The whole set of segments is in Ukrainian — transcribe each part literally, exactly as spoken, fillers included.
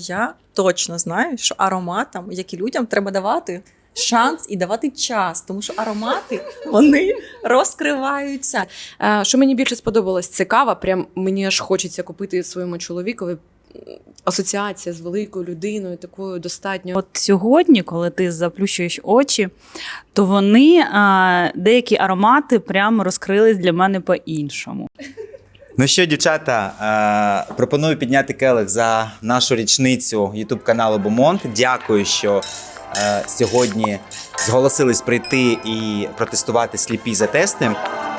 я точно знаю, що ароматам, як і людям, треба давати шанс і давати час, тому що аромати, вони розкриваються. Е, Що мені більше сподобалось, це кава. Прям мені аж хочеться купити своєму чоловікові. Асоціація з великою людиною, такою достатньо. От сьогодні, коли ти заплющуєш очі, то вони, а, деякі аромати прямо розкрились для мене по-іншому. Ну що, дівчата, е, пропоную підняти келих за нашу річницю ютуб-каналу Бомонт. Дякую, що е, сьогодні зголосились прийти і протестувати сліпі за тести.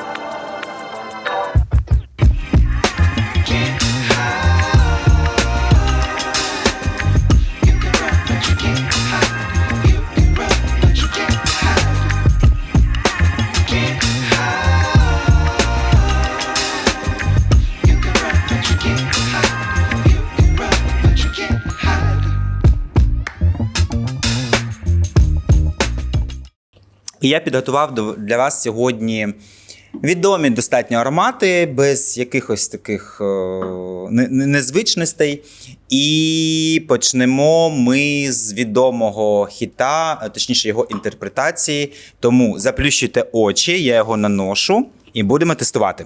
І я підготував до- для вас сьогодні відомі достатньо аромати, без якихось таких е, не- не- незвичностей. І почнемо ми з відомого хіта, а точніше його інтерпретації. Тому заплющуйте очі, я його наношу і будемо тестувати.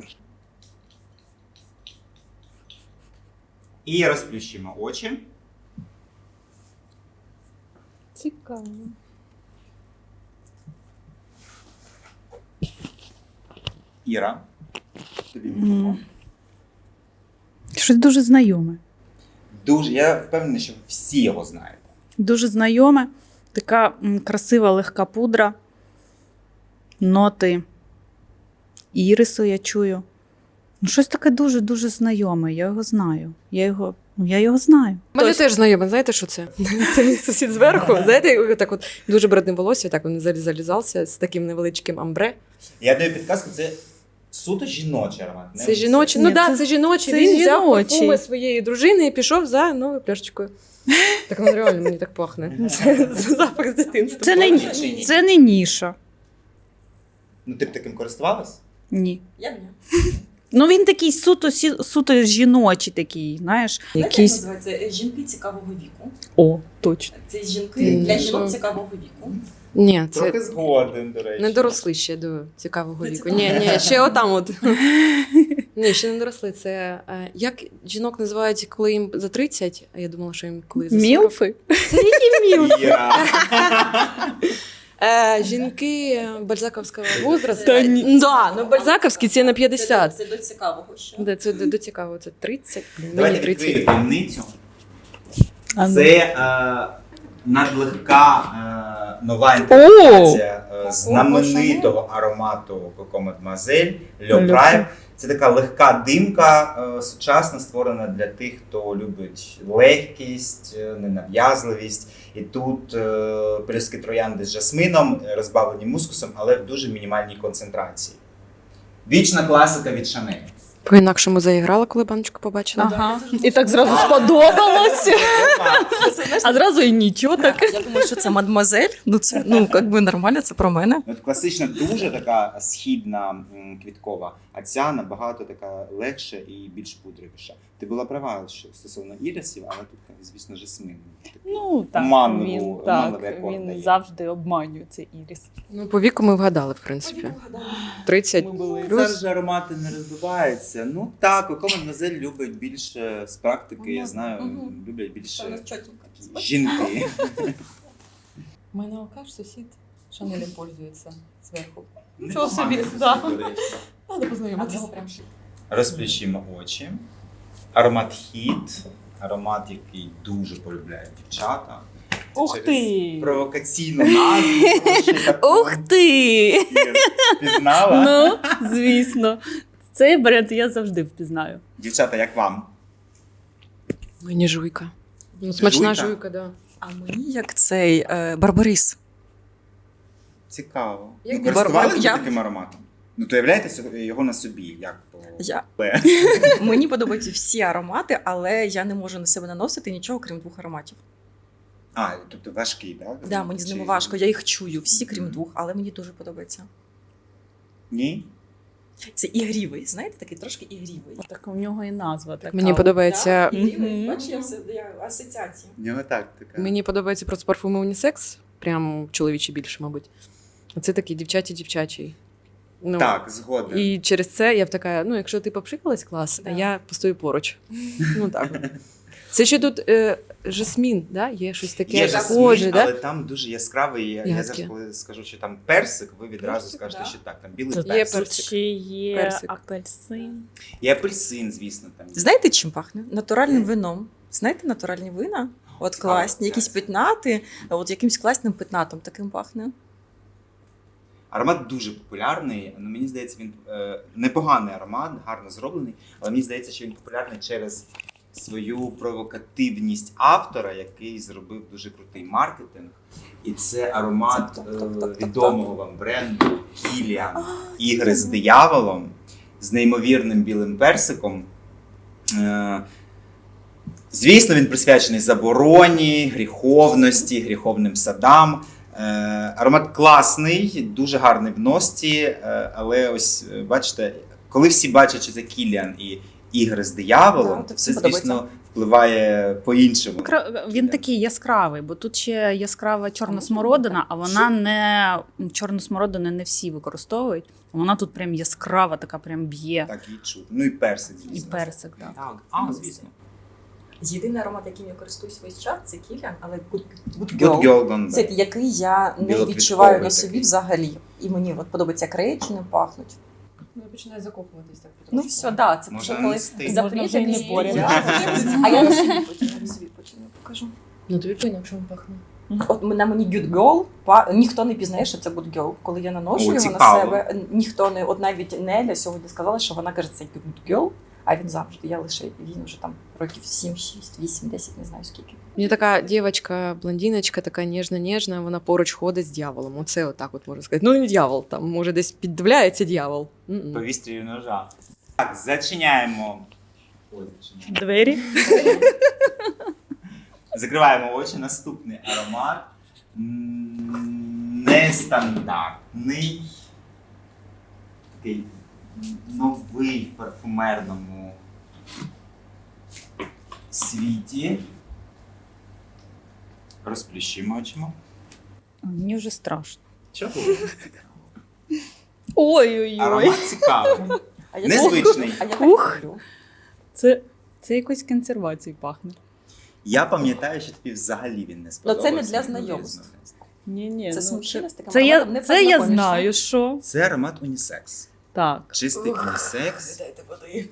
І розплющимо очі. Цікаво. Іра, тобі М. мікрофон. Щось дуже знайоме. Дуже, я впевнений, що всі його знаєте. Дуже знайоме. Така м, красива легка пудра. Ноти ірису я чую. Ну, щось таке дуже-дуже знайоме. Я його знаю. Я його, ну, я його знаю. У мене теж знайоме, знаєте, що це? Це мій сусід зверху. Знаєте, так от дуже брудне волосся, так він залі- залізався з таким невеличким амбре. Я даю підказку, це суто жіночий аромат. не Це жіночий. Ну Ні, так, це- да, це жіночий. це Він взяв жіночий. парфуми своєї дружини і пішов за новою пляшечкою. Так ну реально мені так пахне. Це запах з дитинства. Це не, це не ніша. Ну, ти б таким користувалась? Ні. Я б ні. Ну, він такий суто, сі- суто жіночий такий, знаєш. Знаєте, як називається? Жінки цікавого віку. О, точно. Це жінки Ні, для що? жінок цікавого віку. Ні, це Трохи згоден, до речі. не доросли ще до цікавого До віку. цікавого. Ні, ні, ще отам от. Ні, ще не доросли. Це е, як жінок називають, коли їм за тридцять, а я думала, що їм коли за сорок. Мілфи? Це які мілфи? Іра. Е, жінки бальзаковського возрасту. Та ні. Да, ну бальзаковські це на п'ятдесят. Це до цікавого ще. Де це до, до цікаво, це тридцять, блін, мені Давайте відкрию тридцять. таємницю. А ну. Це е, надлегка е, нова інтерпретація е, знаменитого аромату Coco Mademoiselle Le Le Prime. Це така легка димка, е, сучасна, створена для тих, хто любить легкість, е, ненав'язливість. І тут е, пелюстки троянди з жасмином, е, розбавлені мускусом, але в дуже мінімальній концентрації. Вічна класика від Chanel. По-інакшому заіграла, коли баночку побачила. Ага. І так зразу сподобалось. А зразу і нічого так. Я думаю, що це мадмуазель. Ну, це, ну, як би нормально, це про мене. От класична дуже така східна м, квіткова, а ця набагато така легша і більш пудровіша. Ти була права, що стосовно ірисів, але тут, звісно, жасмин. Такий Ну, так, оманливу- він, оманливий так, акорд він дає. завжди обманює цей ірис. Ну, по віку ми вгадали, в принципі. тридцять Ми були. плюс. Зараз же аромати не розбиваються. Ну так, Coco Mademoiselle любить більше з практики, я знаю, Мгм. люблять Це у більше нас чотенько. жінки. У мене алкаш, сусід Шанелем пользується зверху. Непоганий собі, сусід, да. до речі. Треба познайомитися. прям ще. Розплющимо очі. Аромат хіт, аромат, який дуже полюбляють дівчата. Це Ух через ти! Провокаційну назву. ще таку. Ух ти! Ір, Пізнала? Ну, звісно. Цей бренд я завжди впізнаю. Дівчата, як вам? Мені жуйка. Ну, смачна Жуйка? жуйка, да. А мені як цей е, Барбарис. Цікаво. Як Ви би користувалися Барбар- я- таким ароматом? Ну, то являєте його на собі, як по Я. Б. Мені подобаються всі аромати, але я не можу на себе наносити нічого, крім двох ароматів. А, тобто важкий, так? Да, мені з ними важко, я їх чую, всі крім двох, але мені дуже подобається. Ні? Це ігрівий, знаєте, такий трошки ігрівий. Так у нього і назва така. Мені подобається. Да? Ігрівий, Мгм. бачиш, я все я асоціації. В нього так, така. Мені подобається просто парфуми унісекс, прям чоловічі більше, мабуть. А це такий дівчачий-дівчачий. Ну, Так, згоден. і через це я б така: ну, якщо ти попшикалась, клас, Да. а я постою поруч. Ну так. от. Це ще тут е, жасмін, да? Є щось таке Є схоже, жасмін, да? але там дуже яскравий. Я, я Ягодки. зараз коли скажу, що там персик, ви відразу Персик, скажете, да. що так, там білий Тут, персик. тут персик. ще є Персик. апельсин. І апельсин, звісно, там. є. Знаєте, чим пахне? Натуральним вином. Знаєте, натуральні вина? От Цікаво, класні, якісь класно. пітнати, от якимсь класним пітнатом таким пахне. Аромат дуже популярний. Ну, мені здається, він е, непоганий аромат, гарно зроблений, але мені здається, що він популярний через свою провокативність автора, який зробив дуже крутий маркетинг. І це аромат Так, е, так, так, так, так. відомого вам бренду Kilian Ігри з дияволом з неймовірним білим персиком. Е, Звісно, він присвячений забороні, гріховності, гріховним садам. Е, Аромат класний, дуже гарний в носці, е, але ось е, бачите, коли всі бачать, що це Кіліан і ігри з дияволом, Да, то то це, всім звісно, впливає по-іншому. Кра- Він такий яскравий, бо тут ще яскрава чорна смородина, а вона не чорну смородину не всі використовують. Вона тут прям яскрава, така прям б'є. Так, і чути. Ну і персик, І звісно. персик, так. Так, а, звісно. Єдиний аромат, яким я користуюсь весь час, це Kilian, але Good, Good Good Girl. Girl Gone Це Bad. який я не Білоквітковий відчуваю на собі такий. взагалі. І мені от подобається, як речі не пахнуть. Ну, я починаю закопуватись так. Ну все, да, це Можна вже коли нести. запріти Можна вже і не поряд. А я на собі потім, я на собі потім покажу. Ну, тобі по-інакшому пахне. От на мені Good Girl, па- ніхто не пізнає, що це Good Girl. Коли я наношу О, його цікаво. на себе, ніхто не, от навіть Неля сьогодні сказала, що вона каже, це Good Girl, а він завжди. Я лише, він вже там років сім, шість, вісім, десять, не знаю скільки. Мені така дівчинка, блондиночка, така ніжна-ніжна, вона поруч ходить з дьяволом. Оце отак от можна сказати. Ну, не дьявол, там, може, десь піддивляється дьявол. М-м. По вістрію ножа. Так, зачиняємо. Ой, зачиняємо. Двері. Закриваємо очі. Наступний аромат. М, Нестандартний. Такий новий в парфумерному світі. Розплющимо очима. Мені вже страшно. Чого? Ой-ой-ой. Аромат цікавий. А я Незвичний. Так, а я так Ух. люблю. Це, це якось консервації пахне. Я пам'ятаю, що тобі взагалі він не сподобався. Ну, це не для Дуже знайомств. різно. Ні, ні. Це ну, смущення з таким це я, ароматом не це я познайомишся. знаю, що. Це аромат унісекс. Так. Чистий унісекс. Дайте води.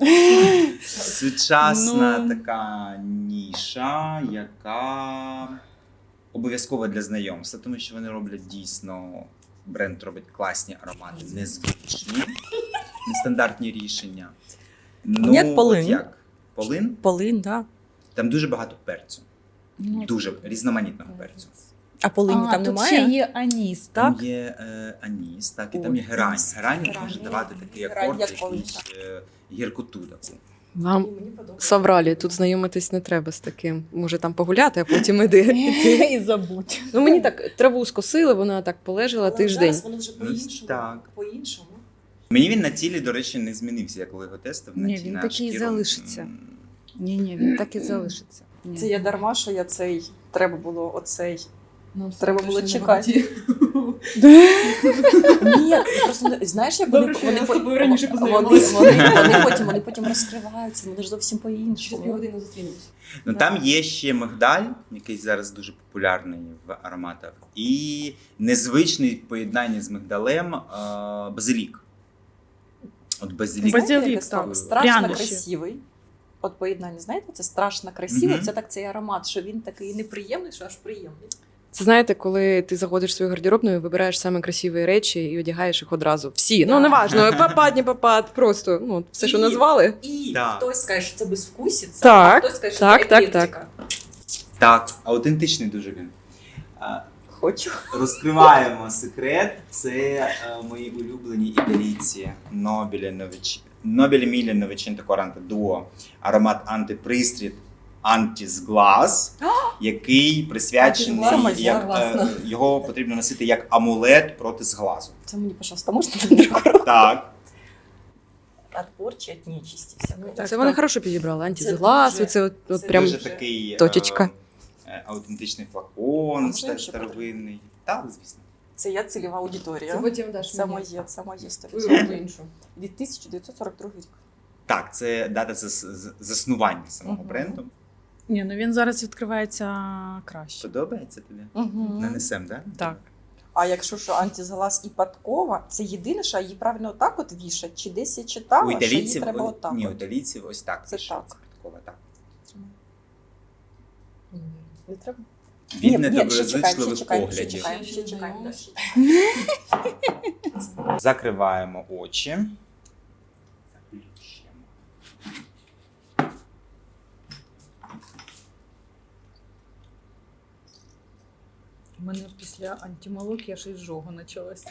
Сучасна Ну. така ніша, яка обов'язкова для знайомства, тому що вони роблять дійсно, бренд робить класні аромати, незвичні, нестандартні рішення. Ну, Як полин. от як? Полин? Полин, да. Там дуже багато перцю. Ну, Дуже різноманітного перцю. А полині а, там тут немає? ще є аніс, Там так? є е, аніс, так, і Ой, там є герань. аніс. Герань Герань. може давати такий Герань, акорд, як полин, якийсь е, гіркоту таку. Вам совралі, тут знайомитись не треба з таким. Може там погуляти, а потім іди. І забудь. Ну мені так траву скосили, вона так полежала Але тиждень. зараз воно вже по-іншому. Так. По-іншому. Мені він на тілі, до речі, не змінився, я коли його тестив. На Ні, ті- він на такий і шкіру. залишиться. М, Ні, ні, він так і залишиться. Ні. Це я дарма, що я цей, треба було оцей. Нам Треба було точно чекати. не Ні, це просто не- знаєш, як вони, Добре, що вони, я з по- тобою раніше вони, познайомилась. вони, вони, потім, вони потім розкриваються, вони ж зовсім Через по-іншому. півгодини зустрінемось. Ну там є ще мигдаль, який зараз дуже популярний в ароматах, і незвичний в поєднанні з мигдалем е, базилік. От базилік. Базилік, Знаєте, так. якось страшно Прянощі. красивий. От поєднання, знаєте, це страшно красиво, Мгм. це так цей аромат, що він такий неприємний, що аж приємний. Це знаєте, коли ти заходиш в свою гардеробну і вибираєш саме красиві речі і одягаєш їх одразу. Всі. Да. Ну, неважно, попад, не попад, просто ну, все, що І- назвали. І Так. хтось скаже, що це безвкусіться, Так, а хтось скаже, що так, це так, eclectica. Так, аутентичний дуже він. Е, Хочу. Розкриваємо секрет. Це е, мої улюблені італійці Нобілі Нович... Нобілі Мілі Новичинта Коранта Дуо. Аромат антипристріт Антізглаз, який присвячений, Антизглаз, як, класно. е, його потрібно носити як амулет проти зглазу. Це мені, пожалуйста, можна на другу руку? Так. от порчі, від нечисті всякої. Так, Це вони так. хорошо підібрали. Антизглаз, дуже- оце от, от це прям Дуже такий точечка. е, е, аутентичний флакон, можна теж ще старовинний. Так, звісно. Це я цільова аудиторія. потім даш Це моє, це моє сто Ой, відсотків. іншу. Від тисяча дев'ятсот сорок другого рік. Так, це дата зас- з- заснування самого Мгм. бренду. Ні, ну він зараз відкривається краще. Подобається тобі? Угу. Нанесем, так? Так. А якщо що антизглаз і подкова, це єдине, що її правильно отак от вішать, чи десь я читала, У що її італійців, треба о- отак. ні, у от. італійців ось так. Це пишеться, так. підкова, так. Не треба? Від Ні, ні, ще недоброзичливих чекаємо, ще поглядів. чекаємо, ще чекаємо. Закриваємо очі. Заплющуємо. У мене після антимолоки аж ізжога почалася.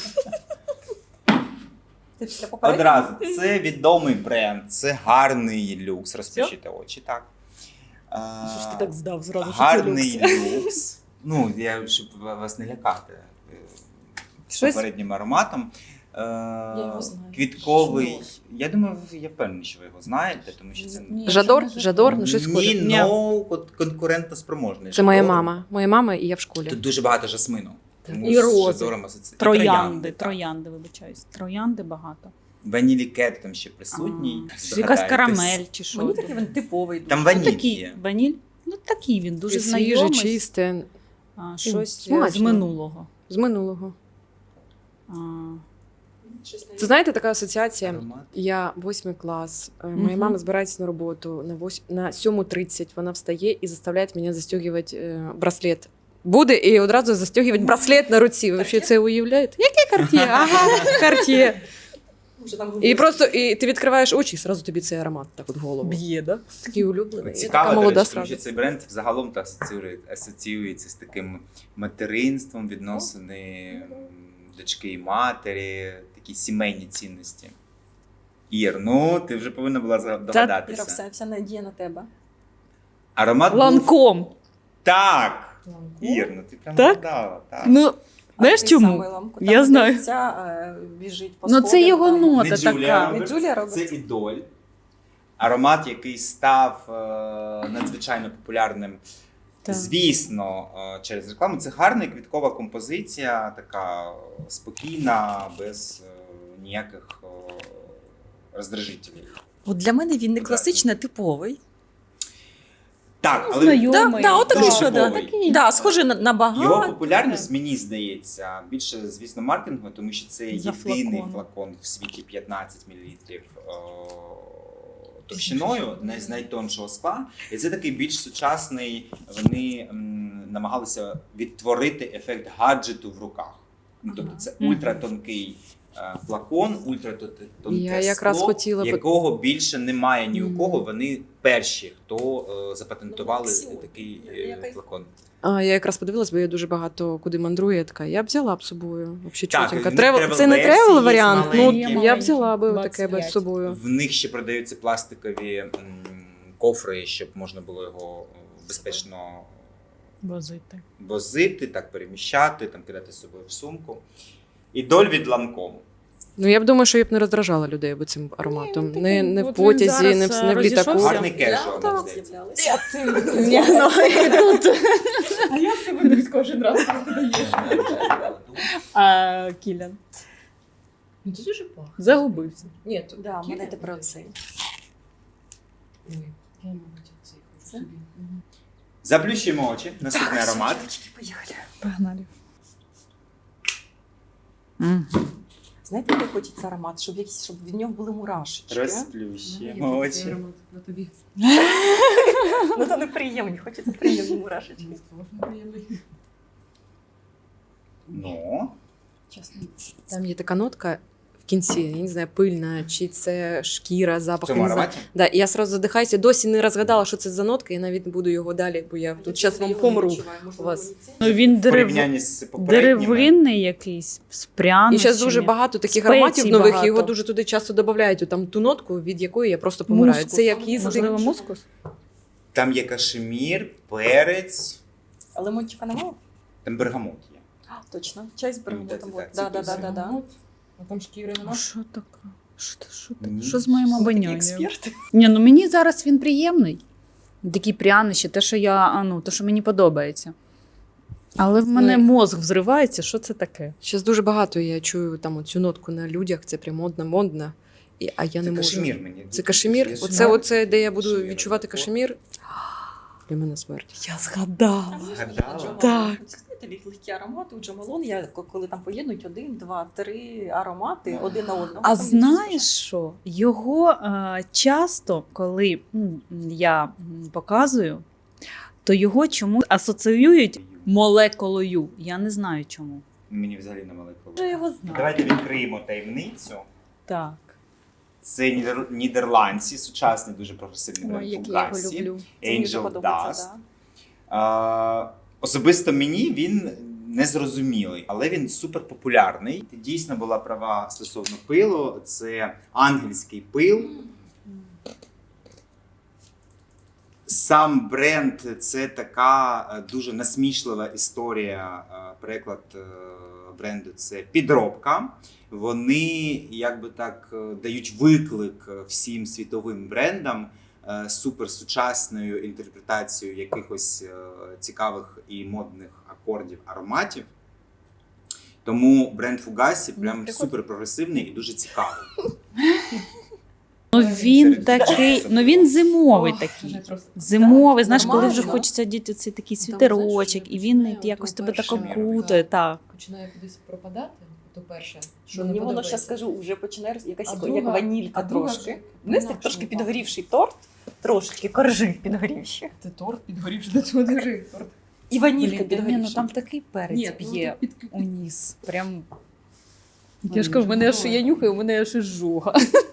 Ти після попереднього? Одразу, це відомий бренд, це гарний люкс. Розплющити очі, так. А, Що ж ти так здав зразу? що це Гарний люкс? люкс. Ну, я, щоб вас не лякати е, Щось- попереднім ароматом. Е, його знаю. Квітковий. Жадор. Я думаю, ви- я впевнений, що ви його знаєте, тому що це Ні, Жадор, це не Жадор, ну щось Ні, схоже. Ні. но от конкурентно спроможний. Це моя Жадор. мама. Моя мама і я в школі. Тут дуже багато жасмину. Тому І з рози. Жадором асоці- і Троянди, так. троянди, вибачаюсь. Троянди багато. Ванілі кет там ще присутній. А, Якась Здогадаєтесь. карамель чи що. Мені такий він типовий. Там дуже. Ну, ваніль такий, є. ваніль? Ну такий він, дуже Дуже свіже, знайомий. чисте, А, щось смачно. з минулого. з минулого. А, Це знаєте, така асоціація. Аромат. Я восьмий клас. е, Моя Мгм. мама збирається на роботу на вось... на сьому тридцять. Вона встає і заставляє мене застегувати е, браслет. Буде і одразу застегувати браслет на руці. Ви взагалі це уявляєте? Яке карт'є? Ага, карт'є. Вже там І просто і ти відкриваєш очі, і одразу тобі цей аромат так от в голову. Б'є, да? Такий улюблений. І така Цікаво, до молода речі, тому що сразу. цей бренд загалом та асоціює- асоціюється з таким материнством, відносини м, дочки і матері, такі сімейні цінності. Ір, ну ти вже повинна була за- Іра, догадатися. все, вся надія на тебе. Аромат був... Ланком. Так! Ір, ну ти прям Так? вгадала. Так. Ну, знаєш А ти чому? саме ламку. Я Там знаю. дитя, е, біжить по Ну це сходам, його там. нота Не Джулія така. Робертс, Не Джулія Робертс. це ідоль. Аромат, який став е, надзвичайно популярним. Так. Звісно, е, через рекламу. Це гарна квіткова композиція, така спокійна, без е, ніяких е, роздражителів. От для мене він не Так. класичний, а типовий. Так, але Знайомий. Да, да, от такий, Дуже що да. типовий. Да, схожий на, на багато. його популярність, мені здається, більше, звісно, маркетингу, тому що це За єдиний флакон. флакон в світі п'ятнадцять мл товщиною, не з найтоншого скла. І це такий більш сучасний, вони м, намагалися відтворити ефект гаджету в руках. Ну, тобто це Мгм. ультратонкий е, флакон, ультратонке Я якраз скло, хотіла би- якого більше немає ні у Мгм. кого. Вони перші, хто е, запатентували Ну, такий е, який- флакон. А, я якраз подивилась, бо я дуже багато куди мандрую. Я така, я б взяла б з собою. Взагалі Так, чотенько. в них Тревел- travel Це не версії тревел є варіант. Ну маленькі. я б взяла би двадцять таке би з п'ять. собою. В них ще продаються пластикові м, кофри, щоб можна було його безпечно Возити. возити, так переміщати, там кидати з собою в сумку. Ідоль від Ланкому. Ну я б думаю, що я б не роздражала людей би цим ароматом. Ні, не, такий, не в от він потязі, зараз, не в, не в літаку. розійшовся. Гарний кежуал, Да, мені так, здається. з'являлися. Ні, ну, тут. А я все виберу кожен раз, коли ти даєш. А Кілян Ну це дуже пахне. загубився. Ні, то Да, в мене тепер оцей. Ой, я, мабуть, цей хочу Це? собі. Мгм. Заплющуємо очі. Наступний аромат. Поїхали. Погнали. Знаєте, який хочеться аромат, щоб, якісь, щоб від нього були мурашечки. Розплющуємо Я такий очі. аромат на тобі. Ну то неприємні, хочеться приємні мурашечки. Ну, Чесно. Там є така нотка в кінці, я не знаю, пильна, чи це шкіра, в запах. цьому я не знаю. ароматі. Да, і я сразу задихаюся, досі не розгадала, що це за нотка, і навіть не буду його далі, бо я тут зараз вам помру. у вас. Ну він В дерев... порівнянні з попередніми. деревинний якийсь, з прянощами. І зараз дуже багато таких Спецій ароматів нових, багато. його дуже туди часто додають, там ту нотку, від якої я просто помираю. Мускус. Це як їсти. Можливо, мускус? Там є кашемір, перець, А лимончика немає? там бергамот є. А, точно. Чай з Ну, бергамотом. це- вот. це- Да, да, це да, да, да. А там шкіри А що таке? Що, ти- що, ти- Ні. що з моїм Такі обонянням? експерти. Ні, ну мені зараз він приємний. Такі прянощі, те, що я, а, ну, те, що мені подобається. Але в мене Ну, мозг взривається, що це таке? Зараз дуже багато я чую там цю нотку на людях, це прям модно, модно. І, а я Це не можу. кашемір мені. Це кашемір. Я Оце, знаю. оце, де я буду Кашемір. відчувати кашемір. Для мене смерть. Я згадала. Згадала? Так. Це знаєте, лег- легкі аромати у Джамалон. Я к- коли там поєднують один, два, три аромати один на одного. А там знаєш що? Його е, часто, коли м, я м, показую, то його чомусь асоціюють молекулою. Я не знаю чому. Мені взагалі не молекула. Я його знаю. Давайте відкриємо таємницю. Так. Це нідер... нідерландці, сучасний дуже прогресивний бренд Ой, як я його Fugazi. люблю. Це мені дуже Angel подобається, Dust. да. А, особисто мені він незрозумілий, але він супер популярний. Дійсно була права стосовно пилу. Це ангельський пил. Сам бренд це така е, дуже насмішлива історія. Е, Переклад е, бренду це підробка. Вони якби так е, дають виклик е, всім світовим брендам е, суперсучасною інтерпретацією якихось е, цікавих і модних акордів, ароматів. Тому бренд Fugazi прям прикольно. супер прогресивний і дуже цікавий. Ну він Серед такий, дівчат ну він зимовий такий. Зимовий, знаєш, коли вже нормально. хочеться діти цей такий Там, світерочок, знаєш, і він починає якось от тебе так перше окутає. Так. Починає кудись пропадати, то перше, що не Мені воно подобається. зараз скажу, вже починає роз- якась А як, друга- як ванілька а друга трошки. вже Знаєш, так інакше трошки не підгорівший торт, трошки коржи підгорівші. Ти торт підгорівши до цього держи. Торт. І ванілька Блін, ні, підгорівша. ну там такий перець Ні, ну, п'є тут під- у ніс. Прям. Я ж кажу, в мене аж я нюхаю, у мене аж жога.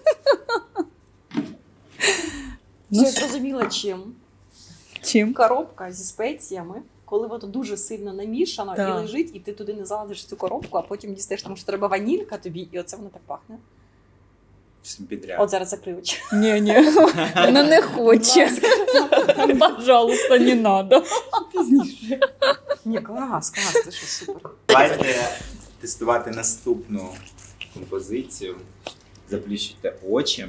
Ну, я зрозуміла, чим. Чим? Коробка зі спеціями, коли воно дуже сильно намішано Так. і лежить, і ти туди не залазиш цю коробку, а потім дістаєш, тому що треба ванілька тобі, і оце воно так пахне. Всім підряд. От зараз закрию очі. Ні, ні, вона не хоче. Пожалуйста, не надо. Ні, клас, клас, це що супер. Давайте тестувати наступну композицію. Заплющуйте очі.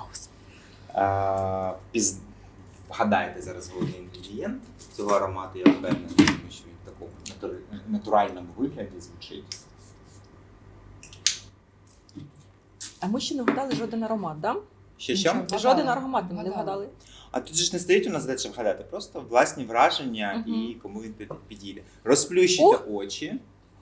А, піз... Вгадайте зараз головний інгредієнт цього аромату, я впевнений, тому що він в такому натур- натуральному вигляді звучить. А ми ще не вгадали жоден аромат, так? Ще що? Нічого. Жоден Вгадали. аромат ми не Вгадали. вгадали. А тут же ж не стоїть у нас задача вгадати, просто власні враження Мгм. і кому він під- підійде. Розплющуйте очі.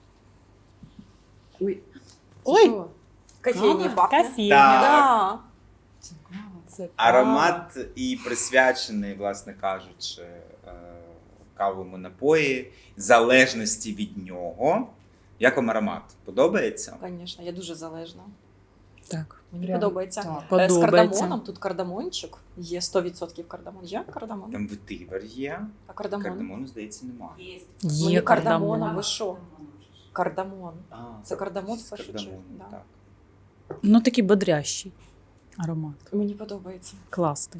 Ой. Ой. Кофейні Кава? пахне. Кофейня. Так. Да. Це кава. Це Аромат і присвячений, власне кажучи, е, кавовому напої, залежності від нього. Як вам аромат? Подобається? Звісно, я дуже залежна. Так. Мені Прям подобається. так. Е, З Подобається. кардамоном, тут кардамончик. Є сто відсотків кардамон. Є кардамон? Там ветивер є, А кардамон? кардамону, здається, немає. Мені Є кардамоном, кардамон. ви що? Кардамон. А, Це кардамон в з першу кардамоном, чергу, да. так. Ну такий бодрящий аромат. Мені подобається. Класний.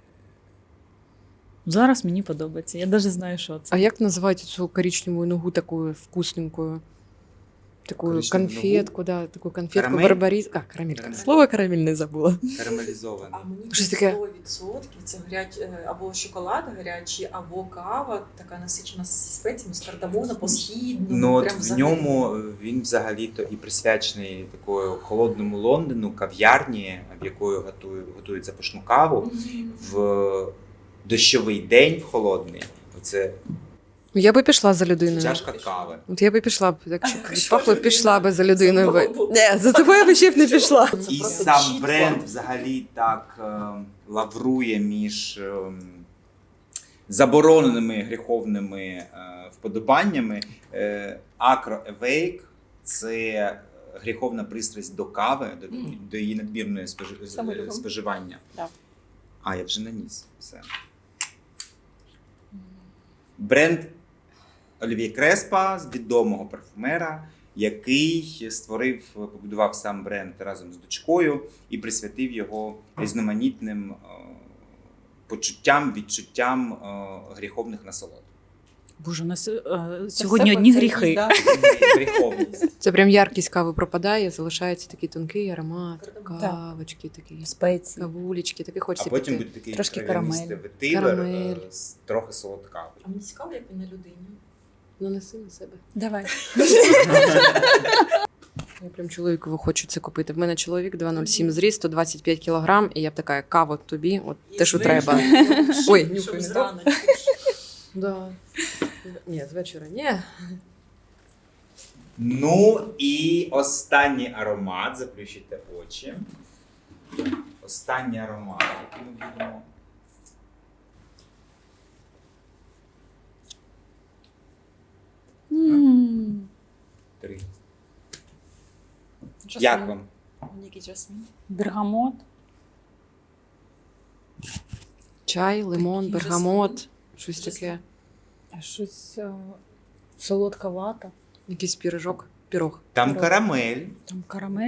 Зараз мені подобається. Я навіть знаю, що це. А як називають цю коричневу ногу такою вкусненькою? Такую Коричневу конфетку, да, такую конфетку Карамель? барбарис. А, карамель. Карамель. Слово карамель не забула. Карамелізований. А мені Щось таке. сто відсотків це гарять е, або шоколад гарячий, або кава, така насичена з спеціями, з кардамоном, по східному. Ну от прям в взагалі. ньому він взагалі-то і присвячений такою холодному Лондону, кав'ярні, в якої готують, готують запашну каву. Мгм. В дощовий день, в холодний, це Я би пішла за людиною. чашка кави. От я би пішла б, якщо б Що пахло, ж пішла би за людиною. Це би. було б. Не, за тобою би ще б не пішла. Це І просто сам чітко. бренд взагалі так е, лаврує між е, забороненими гріховними е, вподобаннями. Е, Acro Awake – це гріховна пристрасть до кави, до, Мгм. до її надмірної спожи- Саме любимо. споживання. Да. А, я вже наніс. Все. Бренд Олів'є Креспа, з відомого парфумера, який створив, побудував сам бренд разом з дочкою і присвятив його різноманітним е, почуттям, відчуттям е, гріховних насолод. Боже, у нас е, Це сьогодні все одні про це гріхи. їсть, да. Гріховність. Це прям яркість кави пропадає, залишається такий тонкий аромат, кавочки, такі Спеції. кавулечки, таке А хочеться потім піти. буде такий Трошки трав'янистий карамель. ветивер, Карамель. е, з трохи солодкавий. А мені цікаво, як він на людині. Ну, неси на себе. Давай. Я прям чоловікову хочу це купити. В мене чоловік два нуль сім зріст, сто двадцять п'ять кілограм, і я б така, кава тобі, от те, що треба. Ой, нюхай, щоб не зрано. Да. Ні, з вечора ні. Ну і останній аромат, заплющите очі. Останній аромат, який ми будемо. М. Три. Жасмін. Як вам? Мені якийсь жасмін. Бергамот. Чай, лимон, Такий бергамот, щось Жасмін. таке. Щось е, солодка вата. Якийсь пірожок. Пірог. Там Пирог. карамель. Там карамель.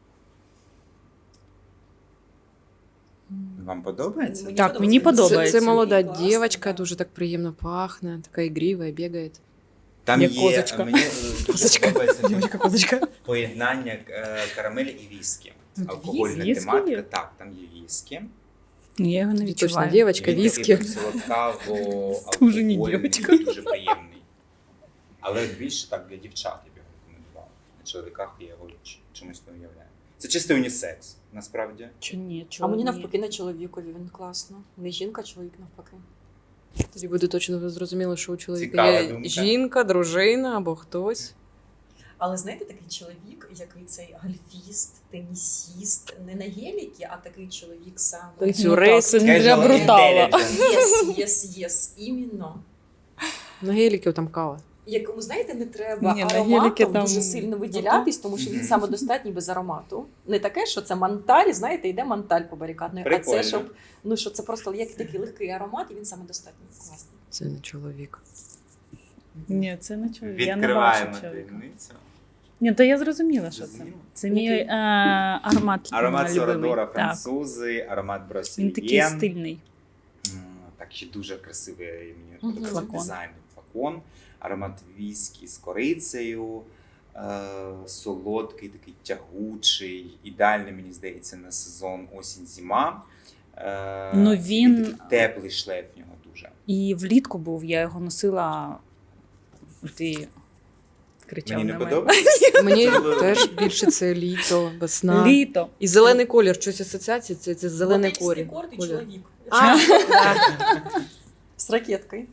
Вам подобається? Так, мені подобається. Це, це молода Класно, дівчинка, да. дуже так приємно пахне, така ігрива, бігає. Там Як є козочка. мені е, дуже Козочка. подобається козочка. поєднання е, карамелі і віскі. Тут Алкогольна віскі тематика. є? Так, там є віскі. Я його не Точно, відчуваю. дівчинка, Він віскі. такий солодкаво, Дуже не алкогольний, дівчинка. дуже приємний. Але більше так для дівчат я б його рекомендував. На чоловіках я його ч- чомусь не уявляю. Це чистий унісекс, насправді. Чи ні, А чого мені ні? навпаки на чоловікові він класно. Не жінка, а чоловік навпаки. Тоді буде точно зрозуміло, що у чоловіка Цікава є думка. жінка, дружина або хтось. Але знаєте, такий чоловік, який цей гольфіст, тенісіст, не на геліки, а такий чоловік сам. Танцюрист. Ну, так, це не для Casual брутала. intelligence. Єс, єс, єс, іменно. На геліків там кава. Якому, знаєте, не треба Ні, на ароматом геліки там- дуже сильно виділятись, тому що він Мгм. самодостатній без аромату. Не таке, що це манталь, знаєте, йде манталь по барикадної, а Прикольно. це щоб, ну що це просто як такий легкий аромат, і він самодостатній. Класний. Це не чоловік. Ні, це не чоловік. Я не бачу Відкриваємо чоловіка. таємницю. Ні, то я зрозуміла, що це. Зрозуміла? Це мій Який? е, аромат. Аромат е, Сорадора любимий. Так. французи, аромат Він такий Бросильєн. стильний. М, Так, ще дуже красивий мені Мгм. подобається Флакон. дизайн флакон. Аромат віскі з корицею, е, солодкий, такий тягучий. Ідеальний, мені здається, на сезон осінь-зима. Е, Ну, і він- такий теплий шлейф в нього дуже. І влітку був, я його носила. Ти кричав Мені не на мене. подобається. Мені Це було- теж більше це літо, весна. Літо. І зелений колір, щось асоціація, це, це зелений Ботекстий колір. корт і колір. чоловік. А, да. З ракеткою.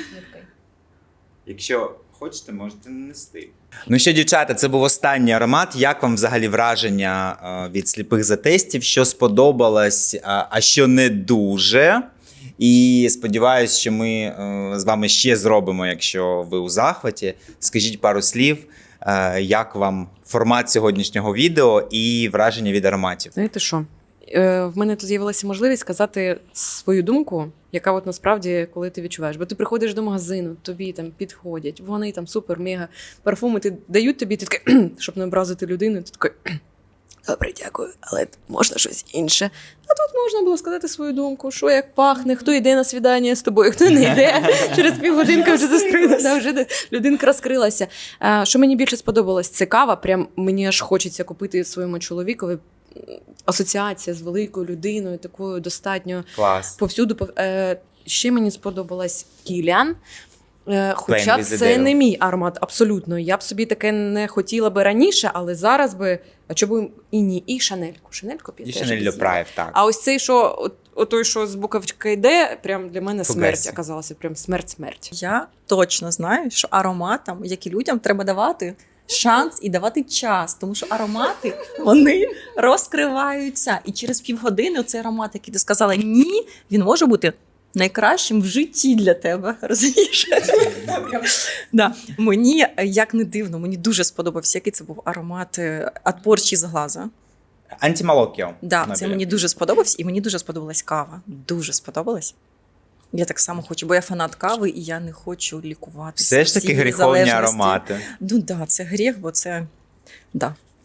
Якщо хочете, можете нанести. Ну що, дівчата, це був останній аромат. Як вам взагалі враження е, від сліпих затестів? Що сподобалось, а, а що не дуже? І сподіваюся, що ми е, з вами ще зробимо, якщо ви у захваті. Скажіть пару слів, е, як вам формат сьогоднішнього відео і враження від ароматів. Знаєте що? Е, В мене тут з'явилася можливість сказати свою думку, яка от насправді, коли ти відчуваєш. Бо ти приходиш до магазину, тобі там підходять, вони там супер, мега парфуми ти дають тобі, ти такий, щоб не образити людину, ти такий, добре, дякую, але можна щось інше. А тут можна було сказати свою думку, що як пахне, хто йде на свідання з тобою, хто не йде. Через півгодинки вже зустрілася, вже людинка розкрилася. А, що мені більше сподобалось, це кава. Прям мені аж хочеться купити своєму чоловікові. Асоціація з великою людиною, такою достатньо Клас. повсюду. пов- Е, ще мені сподобалась Кілян. Е, хоча Plain with the це Dale. не мій аромат абсолютно. Я б собі таке не хотіла би раніше, але зараз би. А чому б і ні? І Шанельку. Шанельку б я І теж Шанель візьму. Льопраєв, так. А ось цей, що от, от той, що з буковичка йде, прям для мене смерть Фугасі. оказалася. Прям смерть-смерть. Я точно знаю, що ароматам, як і людям, треба давати шанс і давати час, тому що аромати вони розкриваються. І через півгодини цей аромат, який ти сказала ні, він може бути найкращим в житті для тебе. Розумієш? Да. Мені, як не дивно, мені дуже сподобався, який це був аромат «Отпорчі з глаза». Антималокіо. Да, це Нобеля. мені дуже сподобався, і мені дуже сподобалась кава. Дуже сподобалась. Я так само хочу, бо я фанат кави, і я не хочу лікуватися. Все ж таки всі гріховні залежності. аромати. Ну так, да, це гріх, бо це. Да,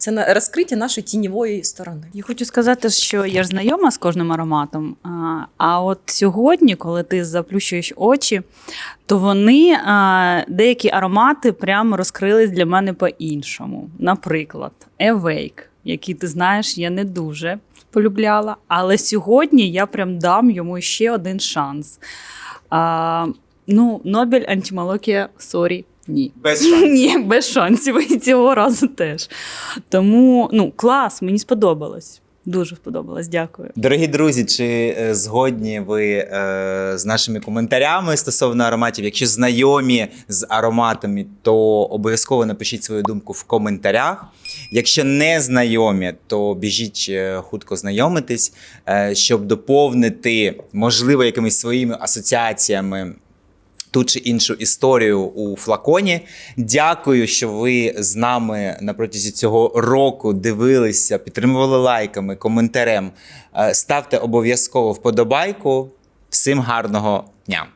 Це на розкриття нашої тіньової сторони. Я хочу сказати, що я ж знайома з кожним ароматом. А, а от сьогодні, коли ти заплющуєш очі, то вони, а, деякі аромати прямо розкрились для мене по-іншому. Наприклад, Awake, який, ти знаєш, я не дуже полюбляла, але сьогодні я прям дам йому ще один шанс. А, ну, Нобель антималокія, сорі. Ні. Без шансів. Ні, без шансів. І цього разу теж. Тому, ну, клас, мені сподобалось. Дуже сподобалось, дякую. Дорогі друзі, чи е, згодні ви е, з нашими коментарями стосовно ароматів? Якщо знайомі з ароматами, то обов'язково напишіть свою думку в коментарях. Якщо не знайомі, то біжіть е, хутко знайомитись, е, щоб доповнити, можливо, якимись своїми асоціаціями ту чи іншу історію у флаконі. Дякую, що ви з нами на протязі цього року дивилися, підтримували лайками, коментарем. Е, Ставте обов'язково вподобайку. Всім гарного дня!